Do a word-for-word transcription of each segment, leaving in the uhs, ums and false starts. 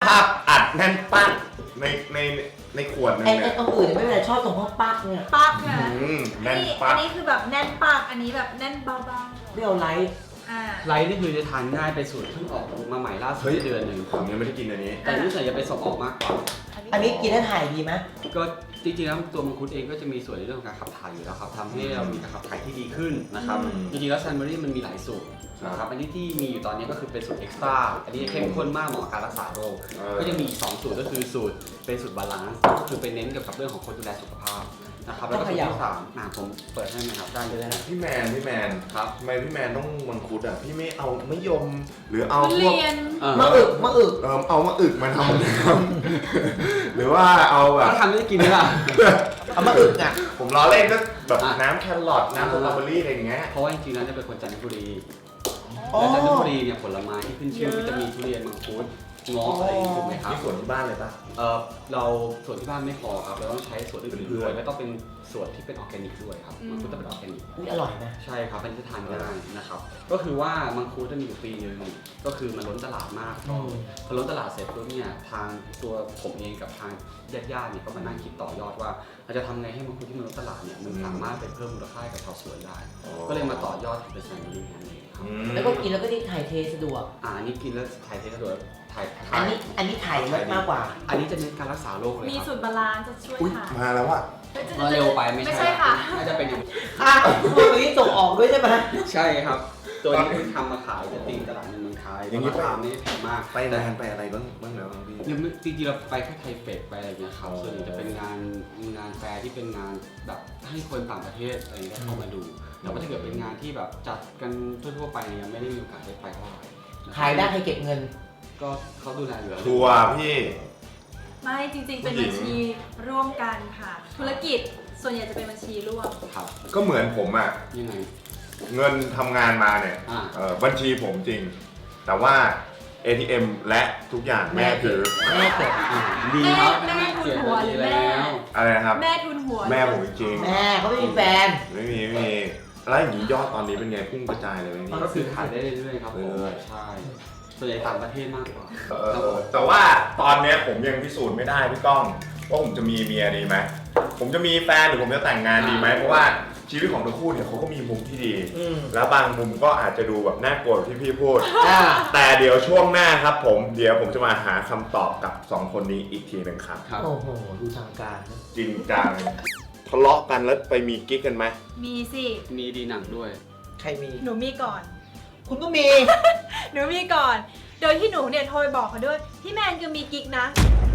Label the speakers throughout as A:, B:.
A: าพอัดแน่นปักในในในขวดนึง
B: ไอ้
A: เนี่ย
B: ไอ้ตรงอื่นไม่เป็นไรชอบตรงพวกปักเนี่ย
C: ปักนะ
A: อืม
C: อั
A: แน่
C: น
A: น
C: นี้
A: ปั
C: อั
A: ก
C: นนี้คือแบบแน่นปักอันนี้แบบแน่นเบา
B: เปรี้ยวไลท์
C: ๆอ่า
D: ไลท์นี่คือจะทานง่ายเป็นสูตรเพิ่งออกมาใหม่ล่าสุดเดือนหนึ่ง
A: ผมยังไม่ได้กินอันนี้
D: แต่รู้สึกจะเป็นส่งออกมากกว่า
B: อันนี้กินแล้วถ่ายดีไหม
D: ก็จริงๆแล้วตัวมังคุดเองก็จะมีส่วนในเรื่องของการขับถ่ายอยู่แล้วครับทำให้เรามีการขับถ่ายที่ดีขึ้นนะครับ
A: อืม
D: จริงๆแล้วซันเบอรี่มันมีหลายสูตรนะครับอันนี้ที่มีอยู่ตอนนี้ก็คือเป็นสูตรเอ็กซ์ตร้าอันนี้เข้มข้นมากเหมาะกับการรักษาโรค
A: เออ
D: ก็จะมีอีกสองสูตรก็คือสูตรเป็นสูตรบาลานซ์ก็คือไปเน้นเกี่ยวกับเรื่องของคนดูแลสุขภาพนะครับแล้วก็สูตรที่สามนะผมเปิดให้ไหมครับได้เลยนะ
A: พี่แมนพี่แมน
D: ครับ
A: ทำไมพี่แมนต้องมังคุดอ่ะพี่ไม่เอามะยม หรือเอา
C: ทุ
A: พว
C: เรี
A: ก
C: ยน
D: เออ
B: มะอึกมะอึก
A: เออเอามาอึกมาทำน้ำหรือว่าเอาแบบ
D: แล้วทำได้กินไหมล่ะ
B: เอามะอึกอ่ะ
A: ผมล้อเล่นก็แบบ
D: อ่ะ
A: น้ำแครอทน้ำสตรอเบอรี่อะไรอย่างเงี้ย
D: เพราะว่าจริงๆแล้วจะเป็นคนจันทบุรี
B: อ๋อ
D: และจันทบุรีเนี่ยผลไม้ที่ขึ้นชื่อก็จะมีทุเรียนมังคุดเงาะอะไรอย่างงี้ถูกไหมครับ
A: ที่สวนที่บ้านเลยป่ะ
D: เออเราส่วนที่บ้านไม่พอครับเราต้องใช้ส่วนอื่นๆด้วยและต้องเป็นส่วนที่เป็นออร์แกนิกด้วยครับ
C: อืม
D: มังคุดต้องเป็นออร์แกนิก
B: อุ๊ยอร่อยนะ
D: ใช่ครับมันจะทานง่ายนะครับ ก็คือว่ามังคุดจะมีอยู่ปีนึงก็คือมันล้นตลาดมาก
B: อืม
D: พอล้นตลาดเสร็จปุ๊บเนี่ยทางตัวผมเองกับทางญาติๆเนี่ยก็มานั่งคิดต่อยอดว่าเราจะทำไงให้มังคุดที่มันล้นตลาดเนี่ยมันสามารถไปเพิ่มมูลค่าให้กับชาวสวนได้ ก็เลยมาต่อยอดทำเป็นแซนด์วิชนั่นเองครับ
A: อืม
B: แล้วก็กินแล้วก็ที่ถ่ายเทสะดวก
D: อ่าอันนี้กินแล้วถ่ายเทสะดวกถ่าย
B: อันนี้อันนี้ถ่ายเยอะมากกว่า
D: อันนี้จะเน้นการรักษาโรคเลย
C: มี
D: ครับ
C: สูตรบาลานซ์จะช่วย
A: อุ้ย
C: ค่ะ
A: มาแล้วอ่ะ
D: มาเร็วไปไม่
C: ไม่
D: ใช่
C: ใช่ค่ะ
D: น่าจะเป็นอย่าง
B: อ่ะตัวนี้ส่งออกด้วยใช่ไหม
D: ใช่ครับ ตัวนี้คือทำมาขายจะตีตลาดในเมืองไทย
A: อย่างนี้
D: ราคาไม่ได้แพงมาก
A: ไปนานไปอะไรบ้างบ้างแล้วบ้างพี่
D: ยังไม่จริงๆเราไปแค่ไทเฟกไปอะไรเงี้ยครับ
A: อ๋อ
D: ส่วนใหญ่จะเป็นงานงานแฟร์ที่เป็นงานแบบให้คนต่างประเทศอะไรเงี้ยเข้ามาดูแต่ว่าถ้าเกิดเป็นงานที่แบบจัดกันทั่วๆไปเนี่ยยังไม่ได้มีโอกาสได้ไปเท่าไหร่นะครับ
B: ขายได้ให้เก็บเงิน
D: ก็เขาดูแลอยู่แล้ว
A: ทัวร์พี่
C: ไม่จริงๆ เป็น
A: ผู้หญิ
C: บั
A: ง
C: ญชีร่วมกันค่ะ ธุรกิจส่วนใหญ่จะเป็นบัญชีร่วม
D: ครับ
A: ก็เหมือนผมอ่ะ
D: ยังไง
A: เงินทำงานมาเนี่ย
D: อ่า
A: เอ่อบัญชีผมจริง แต่ว่า เอ ที เอ็ม และทุกอย่างแม่ถือ
B: แม่เก็บ
D: อ่าดีครับ
C: แม่ทุนหัวหรือแม่
D: แล้ว
A: อะไรนะครับ
C: แม่ทุนหัว
A: แม่ผมจริง
B: แม่เขาไม่มีแฟน
A: ไม่มีไม่มีแล้วอย่างนี้ยอดตอนนี้เป็นไงพุ่งกระจายเลยไหมพี่
D: ก็คือขายได้เรื่อยๆครับผม
A: เรื่อย
D: ใช่ส่วนใหญ่ต่างประเทศมากกว่า
A: เออแต่ว่าตอนเนี้ยผมยังพิสูจน์ไม่ได้พี่ก้องว่าผมจะมีเมียดีไหมผมจะมีแฟนหรือผมจะแต่งงานดีไหมเพราะว่าชีวิตของทั้งคู่เนี่ยเขาก็มีมุมที่ดี
B: อืม
A: แล้วบางมุมก็อาจจะดูแบบน่ากลัวที่พี่พูด
B: อ่า
A: แต่เดี๋ยวช่วงหน้าครับผมเดี๋ยวผมจะมาหาคำตอบกับสองคนนี้อีกทีหนึ่งครับ
D: ครับ
B: โอ้โห ดูทางการนะ
A: จริงจังทะเลาะกันแล้วไปมีกิ๊กกันไหม
C: มีสิ
D: มีดีหนังด้วย
B: ใครมี
C: หนูมีก่อน
B: คุณก็มี
C: หนูมีก่อน โดยที่หนูเนี่ยโทรไปบอกเขาด้วย พี่แมนคือมีกิ๊กนะ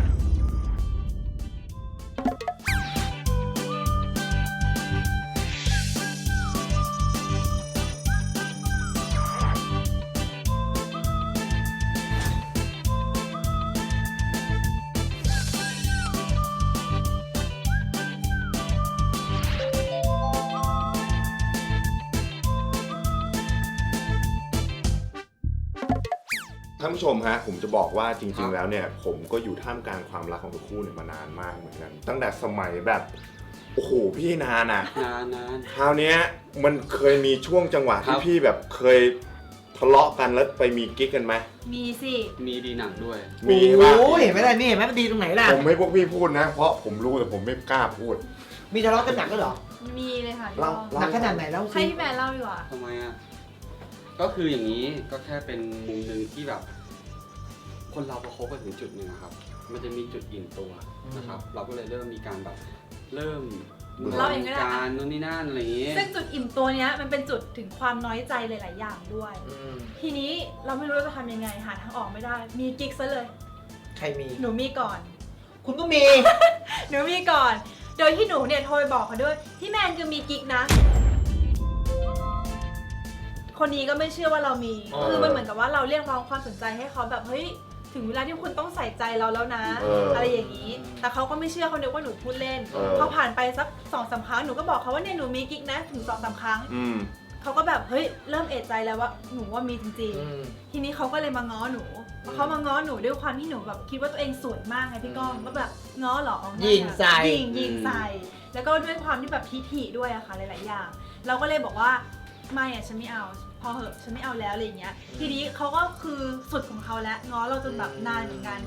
A: ท่านผู้ชมฮะผมจะบอกว่าจ
D: ครั
A: ริง
D: บ
A: ๆ แล้วเนี่ยผมก็อยู่ท่ามกลางความรักของทั้งคู่เนี่ยมานานมากเหมือนกัน ตั้งแต่สมัยแบบโอ้โหพี่นานอ่ะ
D: นานนาน
A: คราวเนี้ยมันเคยมีช่วงจังหวะ
D: ครั
A: ที่
D: บ
A: พี่แบบเคยทะเลาะกันแล้วไปมีกิ๊กกันไหม
C: มีสิ
D: มีดีหนังด้วย
A: มีใช่ปะ
B: โอ้ยเห็นไหมล่ะนี่เห็นไหมมันดีตรงไหนล่ะ
A: ผมให้พวกพี่พูดนะ เพราะผมรู้แต่ผมไม่กล้าพูด
B: มีทะเลาะกันหนักก็เหรอ
C: มีเลยค่ะ
A: เล่า
B: หนักขนาดไหนแล้ว
C: ให้
B: สิ
C: พี่แมนเล่าดีกว่า
D: ทำไมอ่ะ ก็คืออย่างนี้ก็แค่เป็นมุมหนึ่งที่แบบ คนเราพอคบกันถึงจุดหนึ่งอะครับ มันจะมีจุดอิ่มตัวนะครับ เราก็เลยเริ่มมีการแบบเริ่ม
C: เล่าเองก็ได้
D: การนู่นนี่นั่นอะไรอย่างงี้
C: ซึ่งจุดอิ่มตัวเนี้ยมันเป็นจุดถึงความน้อยใจหลาย ๆ อย่างด้วย
B: อืม
C: ทีนี้เราไม่รู้จะทำยังไงหาทางออกไม่ได้ มีกิ๊กซะเลย
B: ใครมี
C: หนูมีก่อน
B: คุณก็มี
C: หนูมีก่อน โดยที่หนูเนี่ยโทรไปบอกเขาด้วย พี่แมนคือมีกิ๊กนะ คนนี้ก็ไม่เชื่อว่าเรามี
A: เออ
C: คือมันเหมือนกับว่าเราเรียกร้องความสนใจให้เขาแบบเฮ้ย ถึงเวลาที่คุณต้องใส่ใจเราแล้วนะ
A: เอออ
C: อะไรอย่างนี้ แต่เขาก็ไม่เชื่อเขาเดียวว่าหนูพูดเล่น
A: เออ
C: พอผ่านไปสักสองสามครั้งหนูก็บอกเขาว่าเนี่ยหนูมีกิ๊กนะ ถึงสองสามครั้ง
A: อืม
C: เขาก็แบบเฮ้ยเริ่มเอะใจแล้วว่าหนูว่ามีจริง
B: อืม
C: ๆ ทีนี้เขาก็เลยมาง้อหนูพอเขามาง้อหนูด้วยความที่หนูแบบคิดว่าตัวเองสวยมากไงพี่ก้องก็แบบง้อเหรอ
B: ยิงใส่
C: ยิงยิงใส่ แล้วก็ด้วยความที่แบบพิถีด้วยอะค่ะหลายๆอย่าง เราก็เลยบอกว่าไม่อะฉันไม่เอา พอเหอะฉันไม่เอาแล้วอะไรอย่างเงี้ย ทีนี้เขาก็คือสุดของเขาแล้วง้อเราจนแบบนานเหมือนกันเข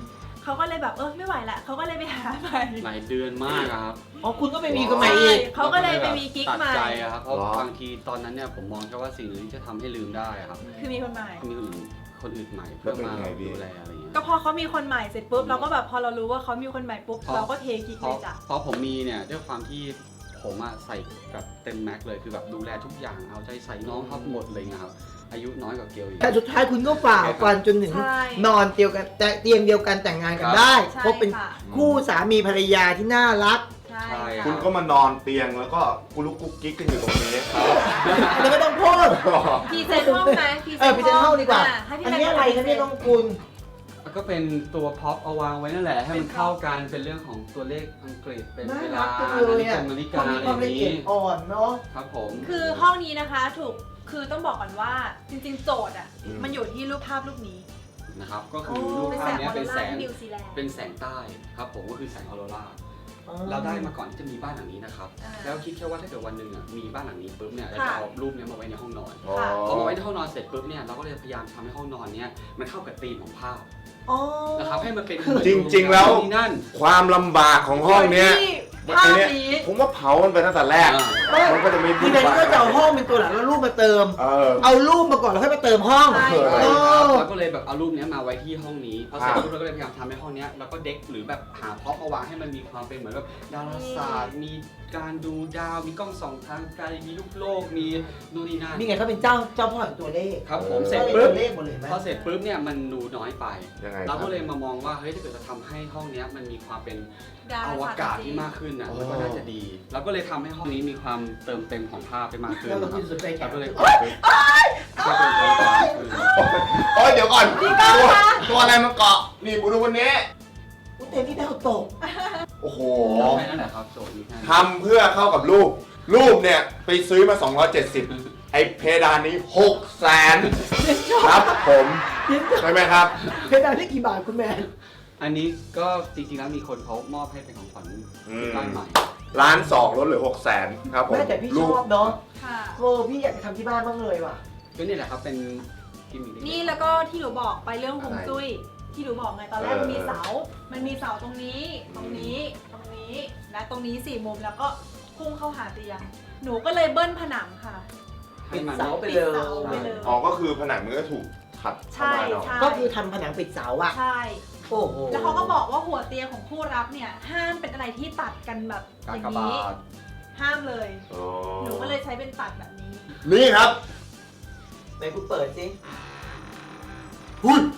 C: เขาก็เลยแบบเออไม่ไหวละเขาก็เลยไปหาใหม่
D: หลายเดือนมากอะครับ
B: อ๋อคุณก็ไปมีคนใหม่อีก
C: เขาก็เลยไปมีกิ๊ก
D: ตัด
C: ใหม่
D: ใจอะครับเพราะ
A: หรอ
D: บางทีตอนนั้นเนี่ยผมมองแค่ว่าสิ่งหนึ่งที่จะทำให้ลืมได้อะครับ
C: คือมีคนใหม่
D: มีคนอื่นคนอื่นใหม่เพื่อมาดูแลอะไรอย่างเงี้ย
C: ก็พอเขามีคนใหม่เสร็จปุ๊บเราก็แบบพอเรารู้ว่าเขามีคนใหม่ปุ๊บ
D: เพราะ
C: เราก็เทกิ๊ก
D: เพ
C: เล
D: ราะ
C: ยจ้ะ
D: เพราะผมมีเนี่ยด้วยความที่ผมอะใส่แบบเต็มแม็กซ์เลยคือแบบดูแลทุกอย่างเอาใจใส่น้องครับหมดเลยนะครับอายุน้อยกว่าเกลอีก
B: แต่สุดท้ายคุณก็ฝ่าฟันจนถึง
C: ใช่
B: นอนเตียวกันแต่เตียงเดียวกันแต่งงานกันได้
C: ใช่
B: เพราะเป็น
C: ค่ะ
B: คู่สามีภรรยาที่น่ารัก
C: ใช่
D: ใช่
C: ค่ะ
A: คุณก็มานอนเตียงแล้วก็กุลุกกุ๊กกิ๊กกันอยู่ตรงนี้
B: อันนี้ไม่ต้องพูด
C: พรีเซนต์ห้องไหมพรี
B: เออพรีเซนต์ห้องดีกว่า
C: ะให้พี่
B: อัน
C: แม
B: นี้อะไรคะเนี่ยน้องคุณ
D: ก็เป็นตัวพ็อปเอาวางไว้นั่นแหละให้มันเข้ากันเป็นเรื่องของตัวเลขอังกฤษเป็น
B: น่า
D: เว
B: รั
D: ลาก
B: จัง
D: นา
B: เลย
D: ฬิ
B: อ่ะ
D: กานาฬิ
B: ค
D: กาน
B: มี
D: อะไร
B: ความ
D: อ
B: ละ
D: ย่าง
B: เอีย
D: นี้
B: ดอ่อนเนาะ
D: ครับผม
C: คือห้องนี้นะคะถูกคือต้องบอกก่อนว่าจริงๆโจทย์อ่ะ
A: อืม
C: มันอยู่ที่รูปภาพรูปนี้
D: นะครับก็คือรูปภาพเนี้ยเป็นแสง
C: นิวซีแลนด์
D: เป็นแสงใต้ครับผมก็คือแสงออโรราเราได้มาก่อนที่จะมีบ้านหลังนี้นะครับ
C: อ่า
D: แล้วคิดแค่ว่าถ้าเกิดวันหนึ่งอ่ะมีบ้านหลังนี้ปุ๊บเนี่ยเรา
C: ค่ะ
D: จะเอารูปเนี้ยมาไว้ในห้องนอน
A: อ๋อ
D: พอมาไว้ในห้องนอนเสร็จปุ๊บเนี่ยเราก็เลยพยายามทำให้ห้องนอนเนี้ยมันเข้ากับธีมของภาพ
B: อ๋อ
D: นะครับให้มันเป็น
A: จริงๆแล้ว
D: ที่นั่น
A: ความลำบากของห้องเนี้ย
C: ที่ภาพนี้
A: ผมว่าเผามันไปตั้งแต่แรก
D: อ่า
A: มันก็จะไม่
B: คือแทนที่ว่าจะเอาห้องเป็นตัวหลักแล้วรูปมาเติม
A: เออ
B: เอารูปมาก่อนแล้วค่อยมาเติมห้อง
C: ใช่
B: เออ
D: แล้วก็เลยแบบเอารูปเนี้ยมาไว้ที่ห้องนี้พอเสร็จ
A: อ่า
D: ปุ๊บเราก็เลยพยายามทำให้ห้องเนี้ยแล้วก็เด็กหรือแบบหาพร็อพมาวางให้มันมีความเป็นเหมือนแบบดาราศาสตร์มีการดูดาวมีกล้องส่องทางไกลมีลูกโลกมีนู่นนี่นั่น
B: นี่ไงเขาเป็นเจ้าเจ้าพ่อแห่งตัวเลข
D: ครับผม
A: เออ
D: เสร็จ
B: เป็น
D: ปุ๊บ
B: ตัวเลขหมดเลยเห็นไหม
D: พอเสร็จปุ๊บเนี่ยมันดูน้อยไป
A: ยังไงค
D: เรา
A: รับ
D: ก็เลยมามองว่าเฮ้ยถ้าเกิดจะทำให้ห้องเนี้ยมันมีความเป็น
C: ดา
D: อ
C: ร
D: ว
C: ศสตร์
D: กาศ
C: จริ
D: ที่
C: ง
D: มากขึ้นนะ
A: โอ้
D: มันก็น่าจะดีเราก็เลยทำให้ห้องนี้มีความเติมเต็มของภาพไปมากขึ้น
B: แล้วเรา
D: นะค
B: คุ
D: รับ
B: ณสนใจแข
D: เรา
B: ก
D: ก็เลย
B: โอ๊ย
D: ก็เป็นตัวกลางขึ้น
A: โอ้ยเดี๋ยวก่อนตัวตัวอะไรมาเกาะ นี่บูดูวันนี้
B: อุ๊ยเต็มที่ดาวตก
A: โอ้โห
D: แค่นั้นแหละครับโจทย์มีแค่นั้น
A: ทำเพื่อเข้ากับรูป รูปเนี่ย ไปซื้อมา สองร้อยเจ็ดสิบ ไอ้เพดานนี้หกแสนครับผม ใช่ไหมครับ
B: เพดานได้กี่บาทคุณแมน
D: อันนี้ก็จริงๆแล้วมีคนเขามอบให้เป็นของขวัญ
A: อืม
D: ที่บ้านใหม่
A: ล้านสองลดเหลือหกแสนครับผม
B: แม่แต่พี่ช
A: รูป
B: อบเนาะ
C: ค่ะ
B: โอ้พี่อยากจะทำที่บ้านบ้างเลยว่ะ
D: ก็นี่แหละครับเป็นกิมมิคเล็กๆ
C: นี่แล้วก็ที่หนูบอกไปเรื่องฮวงจุ้ยที่หนูบอกไงตอนแรก
A: เออ
C: มันมีเสา มันมีเสาตรงนี้ ตรงนี้ ตรงนี้ และตรงนี้สี่มุมแล้วก็พุ่งเข้าหาเตียง หนูก็เลยเบิ้ลผนังค่ะ
D: ให้มัน
B: เสาไป
C: ปิด
B: เลย
C: เสาไปเลย
A: อ๋อ ก็คือผนังมันก็ถูกขัดเข้า
C: ใช่
A: มาเนาะ
C: ใช่
B: ก็คือทำผนังปิดเสาอะ
C: ใช่
B: โอ้โห
C: แล้วเขาก็บอกว่าหัวเตียงของคู่รักเนี่ยห้ามเป็นอะไรที่ตัดกันแบบอก
D: า
C: ย่าง
D: กบา
C: นี้
D: ท
C: ห้ามเลย
A: อ๋อ
C: หนูก็เลยใช้เป็นตัดแบบนี้
A: นี่ครับ
B: ไหนคุณเปิดสิ
A: หุ้ย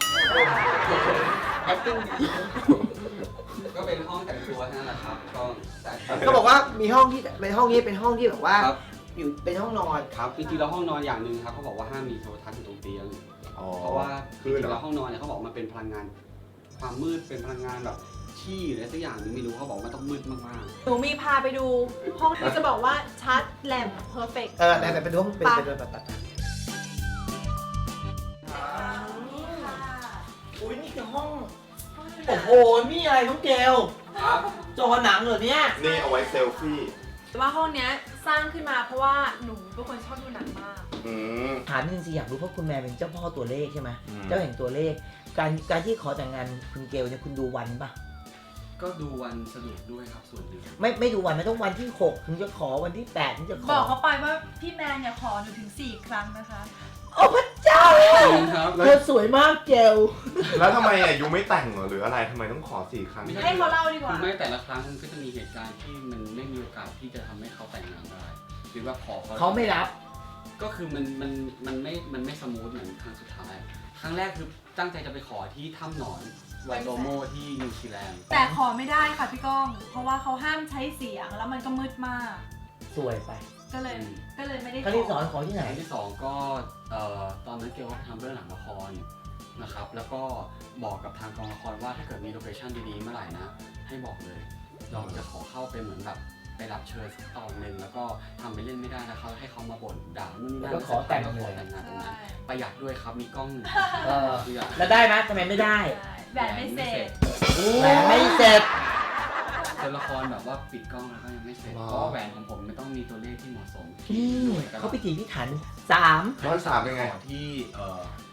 B: acting ดี
D: ก็เป็นห้องแต่งตัวเท่านั้นแหละครับก็แต่
B: เขาบอกว่ามีห้องที่ในห้องนี้เป็นห้องที่แบบว่า
D: ครับ
B: อยู่เป็นห้องนอน
D: ครับจริงๆแล้วห้องนอนอย่างหนึ่งครับเขาบอกว่าห้ามมีโทรทัศน์อยู่ตรงเตียง
A: อ๋อ
D: เพราะว่าจ
A: คือ
D: ริงๆ
A: เหร
D: แล้
A: อ
D: วห้องนอนเนี่ยเขาบอกมันเป็นพลังงาน ความมืดเป็นพลังงานแบบที่หรืออะไรสักอย่างหนึงไม่รู้เขาบอกมันต้องมืดมาก
C: หนูมีพาไปดูห้องที่จะบอกว่าชัดแหลมเพอร์เฟกต์
B: เออแต่แต่เป็นห้องเป็นเป็นแบบแบบอุ้ยนี่คือห้อง โอ้โห นี่อะไรน้องเกล
D: ๆครับ
B: จอหนังเหรอเนี่ย
A: นี่เอาไว้เซลฟี่
C: แต่ว่าห้องเนี้ยสร้างขึ้นมาเพราะว่าหนูเป็นคนชอบดูหนังมาก
A: อืม
B: ถามจริงสิอยากรู้เพราะคุณแม่เป็นเจ้าพ่อตัวเลขใช่ไหม
A: อืม
B: เจ้าแห่งตัวเลข การการที่ขอแต่งงานคุณเกลเนี่ยคุณดูวันปะ
D: ก็ดูวันสะดวกด้วยครับส่วนหนึ่ง
B: ไม่ไม่ดูวันไม่ต้องวันที่หกถึงจะขอวันที่แปดถึงจะข
C: บ
B: อ
C: อกเขาไปว่าพี่แมนอย่าขอหนูถึงสี่ครั้งนะคะ
B: โอ้พระเจ้า
D: จริงครับ
B: เธอสวยมากเกล
A: แล้วทำไมอ่ะยูไม่แต่งเหรอหรืออะไรทำไมต้องขอสี่ครั้ง
D: ไม่ใช่
C: ให้เขาเล่าดีกว่า
D: คือไม่แต่ละครั้งมันก็จะมีเหตุการณ์ที่มันไม่มีโอกาสที่จะทำให้เขาแต่งงานได้หรือว่าขอเขา
B: เขาไม่รับ
D: ก็คือมันมันมันไม่มันไม่สมูทเหมือนครั้งสุดท้าย ครั้งแรกคือตั้งใจจะไปขอที่ถ้ำหนอนไวโดโมที่นิวซีแลนด์
C: แต่ขอไม่ได้ค่ะพี่ก้อง เพราะว่าเขาห้ามใช้เสียงแล้วมันก็มืดมาก
B: สวยไป
C: ก็เลยก็เลยไม่ได้
B: ครั้งที่สองขอที่ไหน
D: ครั้งที่สองก็เอ่อตอนนั้นเกลก็ไปทำเรื่องหลังละครนะครับ แล้วก็บอกกับทางกองละครว่าถ้าเกิดมีโลเคชั่นดีๆเมื่อไหร่นะ ให้บอกเลย เราจะขอเข้าไปเหมือนแบบไปรับเชิญสักตอนหนึ่งแล้วก็ทำไปเล่นไม่ได้แล้วเขาให้เขามาบ่นด่านู่นนี่นั่น
B: แล้วก็ขอแต่ง
D: ล้วก็
B: เลย
D: ขอแต่งงานตรงนั้น
C: ใช่
D: ประหยัดด้วยครับมีกล้อง
B: เออ
D: คืออยาก
B: แล้วได้ไหมทำไมไม่ได้
C: แหวนไม่เสร็จ
B: แหวนไม่เสร็จ
D: ตัวละครแบบว่าปิดกล้องแล้วก็ยังไม่เสร็จ
A: ว้าว
D: เพราะว่าแหวนของผมมันต้องมีตัวเลขที่เหมาะสม
B: อืม
D: ด้วยกัน
B: เขาพิถีพิถันสาม
A: ร้อยสามเป็นไง
D: ขอที่เอ่อ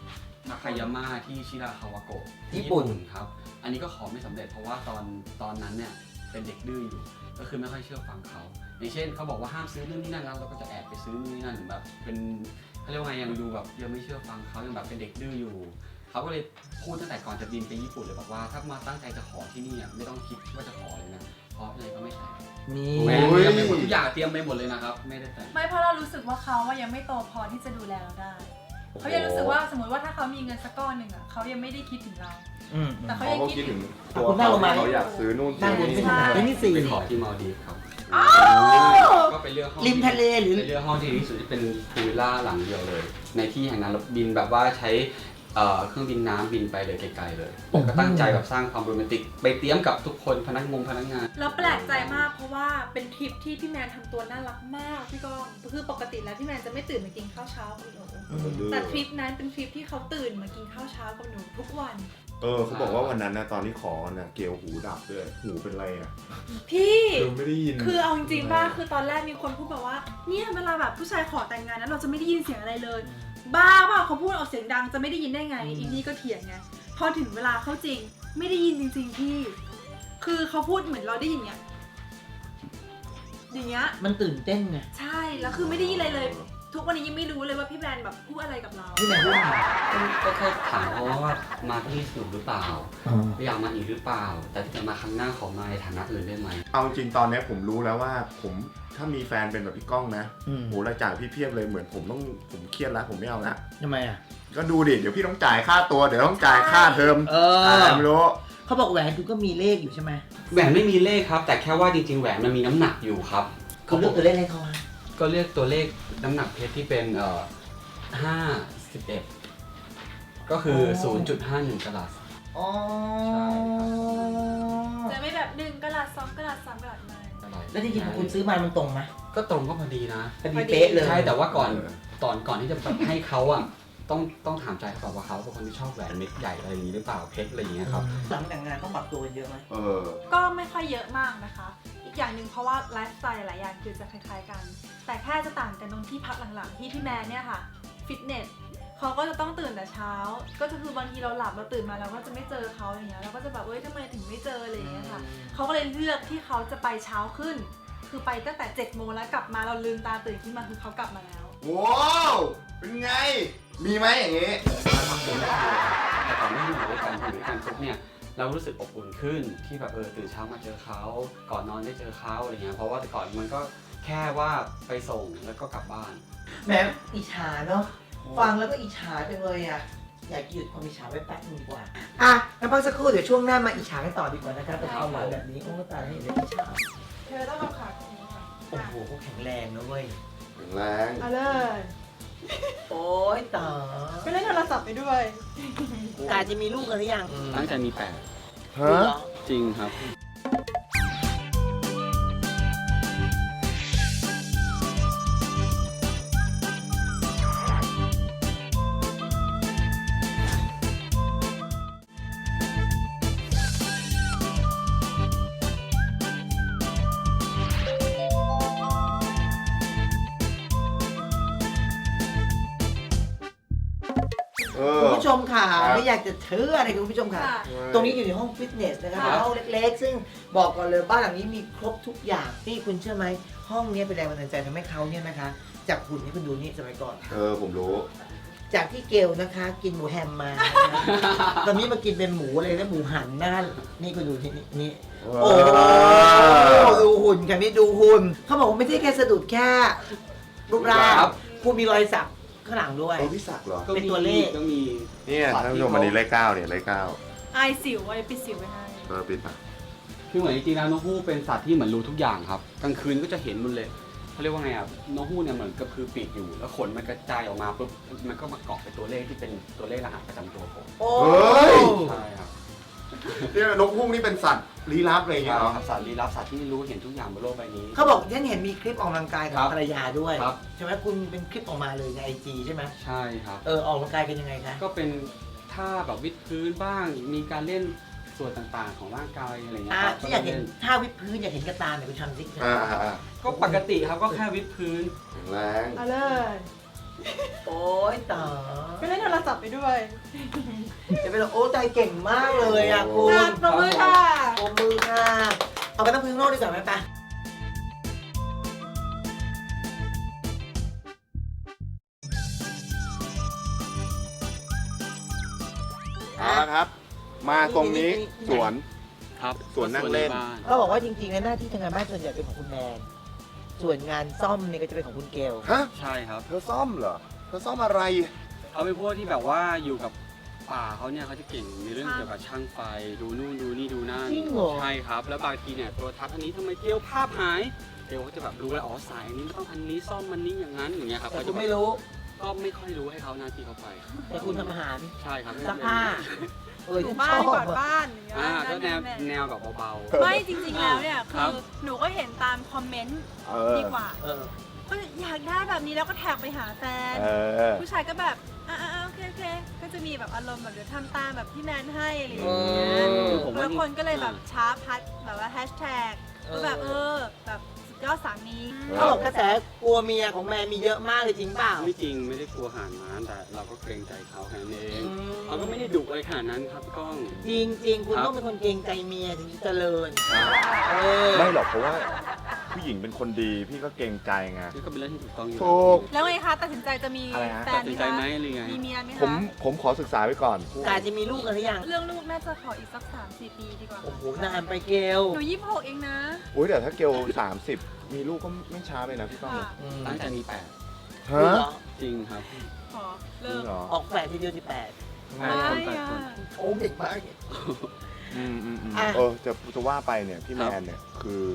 D: นาคายาม่าที่ชิราคาวาโกะ
B: ญี่ปุ่น
D: ครับอันนี้ก็ขอไม่สำเร็จเพราะว่าตอนตอนนั้นเนี่ยเป็นเด็กดื้ออยู่ก็คือไม่ค่อยเชื่อฟังเขาอย่างเช่นเขาบอกว่าห้ามซื้อนู่นนี่นั่นแล้วเราก็จะแอบไปซื้อนู่นนี่นั่นแบบเป็นเขาเรียกว่าไงยังดูแบบยังไม่เชื่อฟังเขายังแบบเป็นเด็กดื้ออยู่เขาก็เลยพูดตั้งแต่ก่อนจะบินไปญี่ปุ่นเลยบอกว่าถ้ามาตั้งใจจะขอที่นี่อ่ะไม่ต้องคิดว่าจะขอเลยนะเพราะอะไรก็ไม่แต่ง
B: นี่
D: แหวนเตรียมไปหมดทุกอย่างเตรียมไปหมดเลยนะครับไม่ได้แต่ง
C: ไม่เพราะเรารู้สึกว่าเขาอะยังไม่โตพอที่จะดูแลเราได้เขายังรู้สึกว่าสมมติว่าถ้าเขามีเงินสักก้อนหนึ่งอะเขายังไม่ได้คิดถึงเรา
B: อืม
C: แต่
A: เขา
C: เขายัง
A: ก็
C: คิด
A: คิด
C: ถึ
A: ถึ
C: ง
A: งตัว
B: คุณนั่งลงมา
A: เขาอยากซื้อนู่น
B: นั่
A: ซื้
B: ง
A: อบ
B: น
A: นี่
B: ที่ไหนเป็นที่สี่
D: ไปขอที่มาลดีฟครับก็ไปเลือกห้อง
B: ริมทะเลหรือ
D: ไปเลือกห้องที่ดีที่สุดที่เป็นพูลวิลล่าหลังเดียวเลย ในที่แห่งนั้นเราบินแบบว่าใช้เอ่อเครื่องบินน้ำบินไปเลยไกลๆเลยแล้วก็ตั้งใจแบบสร้างความโรแมนติกไปเตรียมกับทุกคนพนักงงพนักงาน
C: แล้วแปลกใจมากเพราะว่าเป็นทริปที่พี่แมนทำตัวน่ารักมากพี่ก้องคือปกติแล้วพี่แมนจะไม่ตื่นมากินข้าวเช้ากับหนูแต่ทริปนั้นเป็นทริปที่เขาตื่นมากินข้าวเช้ากับหนูทุกวัน
A: เออเขาบอกว่าวันนั้นนะตอนที่ขอนะเกลหูดับด้วยหูเป็นไรอ่ะ
C: พี่
A: คือไม่ได้ยิน
C: คือเอาจริงๆป่ะคือตอนแรกมีคนพูดแบบว่าเนี่ยเวลาแบบผู้ชายขอแต่งงานนั้นเราจะไม่ได้ยินเสียงอะไรเลย บ้าเปล่าเขาพูดออกเสียงดังจะไม่ได้ยินได้ไงอีนี่ก็เถียงไงพอถึงเวลาเข้าจริง ไม่ได้ยินจริงๆพี่ คือเขาพูดเหมือนเราได้ยินเนี้ยอย่างเงี้ย
B: มันตื่นเต้นไง
C: ใช่แล้วคือไม่ได้ยินอะไรเลย ทุกวันนี้ยังไม่รู้เลยว่าพี่แบรนด์แบบพูดอะไรกับเรา
B: พี่แมนพูดอะไร
D: ก็แค่ถามเขาว่ามาที่นี่สนุกหรือเปล่า
B: อ๋อ
D: อยากมาอีกหรือเปล่า แต่ถ้าจะมาครั้งหน้าขอมาในฐานะอื่นได้ไหม
A: เอาจริงตอนนี้ผมรู้แล้วว่าผมถ้ามีแฟนเป็นแบบพี่ก้องนะ
B: อืม
A: โหรายจ่ายพี่เพียบเลยเหมือนผมต้องผมเครียดแล้วผมไม่เอาละ
B: ทำไมอ่ะ
A: ก็ดูดิเดี๋ยวพี่ต้องจ่ายค่าตัวเดี๋ยวต้องจ่ายค่าเทอม
B: เอ
A: อ่า
B: อ
A: ไม่รู้
B: เขาบอกแหวนคุณก็มีเลขอยู่ใช่ไหม
D: แหวนไม่มีเลขครับ แต่แค่ว่าจริงๆแหวนมันมีน้ำหนักอยู่ครับ
B: คุณเลือกตัวเลขให้เขาฮะ
D: ก็เรียกตัวเลขน้ำหนักเพชรที่เป็นเอ่อห้าสิบเอ็ดก็คือ ศูนย์จุดห้าหนึ่ง กะรัต
B: อ๋อ
C: จะไม่แบบหนึ่งกะลัดสองกะลัดสามกะลัดไม่
B: แล้วจริงๆพอคุณซื้อมามันตรงไหม
D: ก็ตรงก็พอดีนะ
B: พอดีเป๊ะเลย
D: ใช่แต่ว่าก่อนตอนก่อนที่จะแบบให้เขาอ่ะต้องต้องถามใจเขาก่อนว่าเขาเป็นคนที่ชอบแหวนเม็ดใหญ่อะไรอย่างนี้หรือเปล่าเพชรอะไรอย่างเงี้ยครับ
B: หลังแต่งงานต้องปรับตัวกันเยอะไหม
A: เออ
C: ก็ไม่ค่อยเยอะมากนะคะ อีกอย่างหนึ่งเพราะว่าไลฟ์สไตล์หลายอย่างคือจะคล้ายๆกัน แต่แค่จะต่างกันตรงที่พักหลังๆที่พี่แมนเนี่ยค่ะฟิตเนสเขาก็จะต้องตื่นแต่เช้า ก็จะคือบางทีเราหลับเราตื่นมาเราก็จะไม่เจอเขาอย่างเงี้ยเราก็จะแบบเอ้ยทำไมถึงไม่เจออะไรอย่างเงี้ยค่ะเขาก็เลยเลือกที่เขาจะไปเช้าขึ้น คือไปตั้งแต่เจ็ดโมงแล้วกลับมาเราลืมตาตื่นขึ้นมาคือเขากลับมาแล้ว
A: ว้าวเป็นไง มีไหมอย่างงี้
D: แต่ก่อนไม่อยู่ด้วยกันอยู่ด้วยกันปุ๊บเนี่ยเรารู้สึกอบอุ่นขึ้นที่แบบเออตื่นเช้ามาเจอเขาก่อนนอนได้เจอเขาอะไรเงี้ยเพราะว่าแต่ก่อนมันก็แค่ว่าไปส่งแล้วก็กลับบ้าน
B: แหมอิจฉาเนาะ ฟังแล้วก็อิจฉาจังเลยอ่ะ อยากหยุดความอิจฉาไว้แป๊บนึงดีกว่า อ่ะงั้นพักสักครู่เดี๋ยวช่วงหน้ามาอิจฉากันต่อดีกว่านะครับแต่ความหวานแบบนี้ โอ้ตายแล้วเห็นแล้วอิจฉา
C: เธอต้องเอาขาตรงนี้ค่ะ
B: โอ้โหเขาแข็งแรงนะเว้ย
A: แข็งแรง
C: เอาเลย
B: โอ้ยตาย
C: ไปเล่นโทรศัพท์ไปด้วย
B: กาจะมีลูกกันหรือยัง
D: ตั้งใจมีแปด
A: ฮะ
D: จริงครับ
A: เอ
B: คุ
A: อ
B: ณผู้ชมค่ะ
A: ครับ
B: ไม่อยากจะเชื่ออะไรคุณผู้ชมค่ะ
C: ค่ะ
B: ตรงนี้อยู่ในห้องฟิตเนสนะครับ
C: ค่ะ
B: เป็นห้องเล็กๆ ซึ่งบอกก่อนเลยบ้านหลังนี้มีครบทุกอย่างนี่คุณเชื่อไหมห้องนี้เป็นแรงบันดาลใจทำให้เขาเนี่ยนะคะ จากหุ่นที่คุณดูนี่สมัยก่อน
A: เออผมรู้
B: จากที่เกลนะคะ กินหมูแฮมมานะคะ ตอนนี้มากินเป็นหมูเลยนะหมูหันนะนี่คุณดูที่นี่นี่โอ้ดูหุ่นค่ะนี่ดูหุ่นเขาบอกว่าไม่ใช่แค่สะดุดแค่รูปร่าง
D: ครับ
B: คุณมีรอยสักข้างหลังด้วย
A: เออพี่ศักดิ์เหรอ
D: ก็
B: เป็น
D: มี
B: ตัวเลข
D: ก็มี
A: เนี่ยท่านผู้ชมอันนี้เลขเก้าเนี่ยเลขเก้า
C: ไอสิวไอปิดสิวไว้ให้
A: เออปิดปะ
D: คือเหมือนจริงๆแล้วนกฮูกเป็นสัตว์ที่เหมือนรู้ทุกอย่างครับกลางคืนก็จะเห็นหมันเลยเขาเรียกว่าไงอ่ะนกฮูกเนี่ยเหมือนกับคือปีกอยู่ แล้วขนมันกระจายออกมาปุ๊บมันก็มาเกาะเป็นตัวเลขที่เป็นตัวเลขรหัสประจำตัวผม
B: โอ้
D: ใช่ครับ
A: เนี่ยนกฮูกนี่เป็นสัตว์ลี้ลับอะไรอย่างเงี้ยเหรอ
D: ครับสัตว์ลี้ลับสัตว์ที่รู้เห็นทุกอย่างบนโลกใบนี้
B: เขาบอกฉันเห็นมีคลิปออกกำลังกายกับ
D: ครับ
B: ภรรยาด้วย
D: ครับ
B: ใช่ไหมคุณเป็นคลิปออกมาเลยในไอจีใช่ไหม
D: ใช่ครับ
B: เออออกกำลังกายกันยังไงคะ
D: ก็เป็นท่าแบบวิดพื้นบ้าง มีการเล่นส่วนต่างๆของร่างกายอะไรเงี้ย
B: อ่ะ
D: ครับ
B: ที่อยากเห็นท่าวิดพื้นอยากเห็นกระตาเนี่ยคุณทำสิ
A: อ่าอ่าอ่า
D: ก็ปกติครับก็แค่วิดพื้น
A: แข็งแรง
C: เอาเลย
B: โอ้ยตา
C: ก็เล่นโทรศัพท์ไปด้วย
B: จะเป็นโอ้ใจเก่งมากเลยอ่ะคุณ
C: อ่ะประมือค่ะ
B: โอ้มือค่ะ เอาไปตั้งพื้นข้างนอกดีกว่าไหมปะ
A: เอาละครับ มาตรงนี้สวน
D: ครับ
A: สวนนั่งเล่น
D: บ้าน
B: เขาบอกว่าจริงๆแล้วหน้าที่ทำงานบ้านส่วนใหญ่เป็นของคุณแมน ส่วนงานซ่อมเนี่ยก็จะเป็นของคุณเกล
A: ฮะ
D: ใช่ครับ
A: เธอซ่อมเหรอ เธอซ่อมอะไร
D: เขาเป็นพวกที่แบบว่าอยู่กับป่าเขาเนี่ยเขาจะเก่งในเรื่องเกี่ยวกับช่างไฟดูนู่นดูนี่ดูนั่น
B: จริงเหรอ
D: ใช่ครับ แล้วบางทีเนี่ยโทรทัศน์อันนี้ทำไมเกลียวภาพหายเกลียวเขาจะแบบรู้แล้วอ๋อสายนี้ต้องอันนี้ซ่อมมันนี้อย่างนั้นอย่างเงี้ยครับ
B: แต่
D: เขา
B: คุ
D: จะ
B: ณ
D: แบบ
B: ไม่รู้
D: ก็ไม่ค่อยรู้ให้เขาหน้าที่เขาไป
B: แต่คุณทำอาหาร
D: ใช่ครับ
B: ซักผ้า เออ
C: ถู
B: ฉัน
C: บ้า
B: ช
C: น
B: อบ
C: กวาด
B: อะ
C: บ้านอย่างเงี้ย
D: อ่าก็แนว
C: ม่
D: แนวแบบเบา
C: ไม่จริงๆแล้วเนี่ย
D: ค
C: คื
D: รับ
C: อหนูก็เห็นตามคอมเมนต์
A: เออ
C: ดีกว่า
B: เออ
C: ก็อยากได้แบบนี้แล้วก็แท็กไปหาแฟน
A: เออ
C: ผู้ชายก็แบบอ่าโอเคโอเคก็จะมีแบบอารมณ์แบบเดี๋ยวทำตามแบบที่แมนให้อะไรอย่างเงี้ย
B: เออ
D: คือผมว่า
C: แล้วคนก็เลยแบบช้าพัดแบบว่าแฮชแท็ก
B: เออ
C: ก็แบบเออแบบสุดยอดสามี
B: เขาบอกกระแสกลัวเมียของแมนมีเยอะมากเลยจริงเปล่า
D: ๆไม่จริงไม่ได้กลัวหานม้าแต่เราก็เกรงใจเขาแค่นั้นเอง
B: อืม
D: เขาก็ไม่ได้ดุอะไรขนาดนั้นครับพี่ก้อง
B: จริงจริงๆ คุณ
D: ครับ
B: ต้องเป็นคนเกรงใจเมียถึงจะเจริญเออ
A: ไม่หรอกเพราะว่าผู้หญิงเป็นคนดีพี่ก็เกรงใจไง
D: นี่ก็เป็นเรื่องที่ถูกต้องอยู่
A: ถูก
C: แล้วไงคะตัดสินใจจะมี
A: อะไรฮะ
C: แฟ
D: ตั
C: น
D: ด
C: ไห
D: สิ
C: ม
D: นใจ
C: คะ
D: ไหมหรือไง
C: มีเมียไหม
A: ผม
C: คะ
A: ผมขอศึกษาไว้ก่อน
B: กาจะมีลูกกันหรือยัง
C: เรื่องลูกน่าจะขออีกสักสามสี่ปีดีกว่า
B: โอ้โหนานไปเกล
C: หนูยี่สิบหกเองนะ
A: อุ้ยแต่ถ้าเกลสามสิบมีลูกก็ไม่ช้าไปนะพี่ก้อง
C: ค่ะ
B: อืม
D: ตั้งแต่มีแปด
A: ฮะ
B: เหรอ
D: จริงครับ
C: ขอ
A: จริ
C: เลิ
A: ง
C: ก
A: เหรอ
B: ออกแฝดทีเดียวสิบแปด
C: ไม่
D: คนแปด
C: อะ
D: คน
B: โอ้เด็กมาก
A: อืมอืมอืม
B: อ่ะ
A: เออจะจะว่าไปเนี่ยพี่แมนเนี่ยคือ